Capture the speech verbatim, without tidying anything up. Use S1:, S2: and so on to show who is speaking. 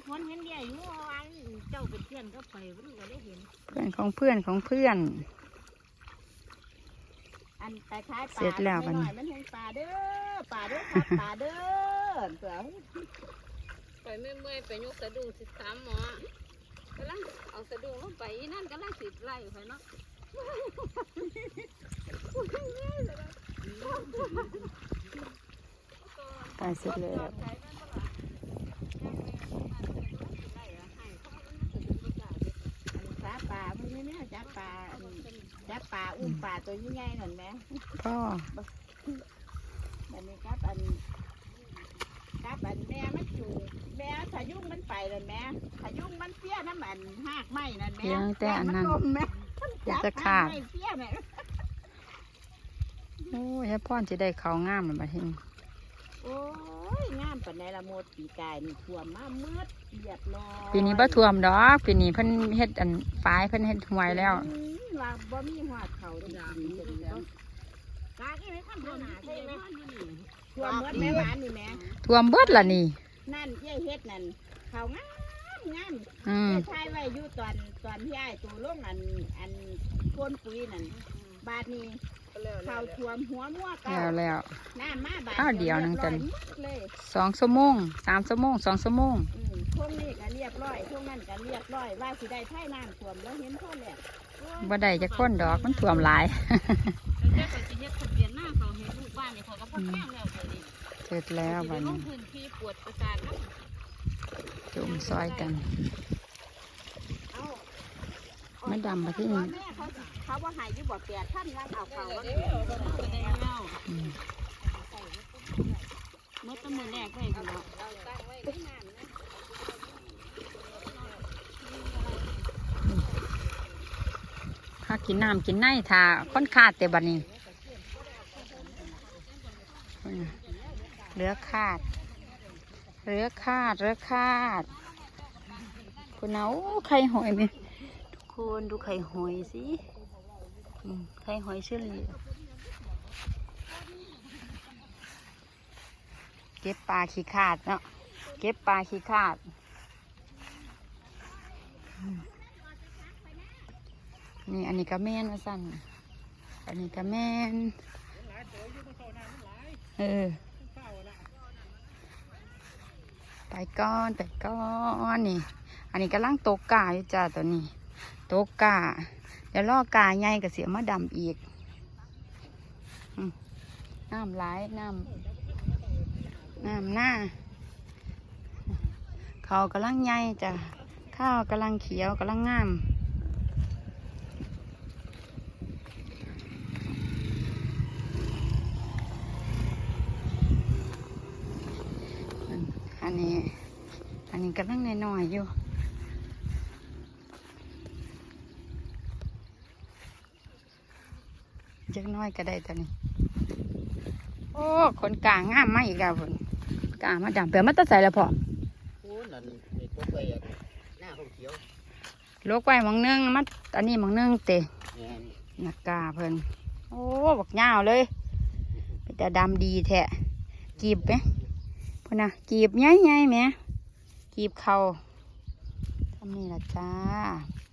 S1: คนเห็นเดียอยู่ว่าเจ้าเป็นเพื่อนก็ไปมันก็ได้เห็น
S2: เพื่อนของเพื่อนของเพื่อน
S1: อันแต่ท้าย
S2: เสร็จแล้วมัน
S1: มันเห็นปลาเด้อปลาเด้อครับปลาเด้อเสือ
S3: ไปเมื่อยๆไปยกสะดุ้งสิสามหมอกำลังเอาสะดุ้งลงไปนั่นกำลังสิไล่ไปเนาะ
S2: ตายเสร็จแล้ว
S1: ปลาปลาพวกนี้เนี่ยจับปลาจับปลาอุ้มปลาตัวยิ่งใหญ่หน่อยไหม
S2: ก็
S1: แบบนี้ครับอันครับอันแม่มันจูแม่พายุงมันไปเลยแม่พายุงมันเสี้ยน้ำมันหากไม้นั่นแม่
S2: ยังแต่อันนั้น
S1: จะขาด
S2: โอ้ยพ่อจะได้เขางามเลยบัดนี้
S1: โอ้ยงามปานในละโมดปีกายนี่ท่วมมาเมื่อเรียบร้อย
S2: ปีนี้บ่ท่วมดอกปีนี้เพิ่นเฮ็ดอันฝายเพิ่นเฮ็ดห่วยแล้ว
S1: ว่าบ่มีหัวเขาจริงๆแล้วกาที่ไม่ทำหนาใช่ไหมท่วมเมื่อแม่หวานนี่แม่
S2: ท่วมเบิดล่ะนี่
S1: นั่นเย้เฮ็ดนั่นเขางามงาม
S2: อืม
S1: ใช่ไว้อยู่ตอนตอนที่ไอ้ตัวลงอันอันพ่นปุ๋ยนั่นบาดนี้เขาท่วมหัวมั่วเก่า
S2: แล้วแล้ว
S1: น้ำมาบาด
S2: ข้าวเดียวนึงกัน
S1: เลย
S2: สองชั่วโมงสามชั่วโมงสองชั่วโมง
S1: ช่วงนี้ก็เรียบร้อยช่วงนั้นก็เรียบร้อยว่าสิได้ไถ่น้ำท่วมแล้วเห็นพ่อแหละ
S2: บ่ได้จะค้นดอกมันท่วมหลาย
S3: เจ้าก็สิเฮ็ดทะเบียนหน้าเขาเฮ็ดลูกบ้านนี่เขาก็พอแข้งแล้วเดี๋ยวนี้
S2: เสร็จแล้วบัดนี้
S3: พื้นที่ปวดประสาทนะ
S2: จุ่มซอยกันไม่ดำมาที่นี่
S1: เขาว่าหายอยู่บ่แปดท่านแล้วเอาเขาว่าเมื่อต้นมือแรกเลยคุณเนาะ
S2: ถ้ากินน้ำกินไนถ้าค้นขาดแต่บัดนี้เหลือขาดเหลือขาดเหลือขาดคุณเอาไข่หอยไหมทุกคนดูไข่หอยสิไข่หอยเชอรี่เก็บปลาขี้ขาดเนาะเก็บปลาขี้ขาดนี่อันนี้ก็แม่นว่าสั่นอันนี้ก็แม่นเออไปก้อนไปก้อนนี่อันนี้กำลังตกกาอยู่จ้าตัวนี้ตกกาเดี๋ยวล่อกาใหญ่กับเสียมาดำอีกน้ำไหลน้ำน้ำหน้าเขากำลังใหญ่จ้ะข้าวกำลังเขียวกำลังงามอันนี้อันนี้กำลังน้อยๆอยู่จักน้อยก็ได้ตอนนี้โอ้คนกลางงามมาอีกแล้วคนกลางมาดำเปลือกมันตัดใส่แล้วพอ
S4: โอ้นั่นนี่ตัวไปหน้าเขาเขียว
S2: โลกไว้หมองนึงมัดอันนี้หมองนึงเตะนักกาเพิ่นโอ้บักยาวเลยแต่ดำดีแท้กีบไหมพ่อนะกีบใหญ่ๆไหมกีบเข่าทำนี่ละจ้า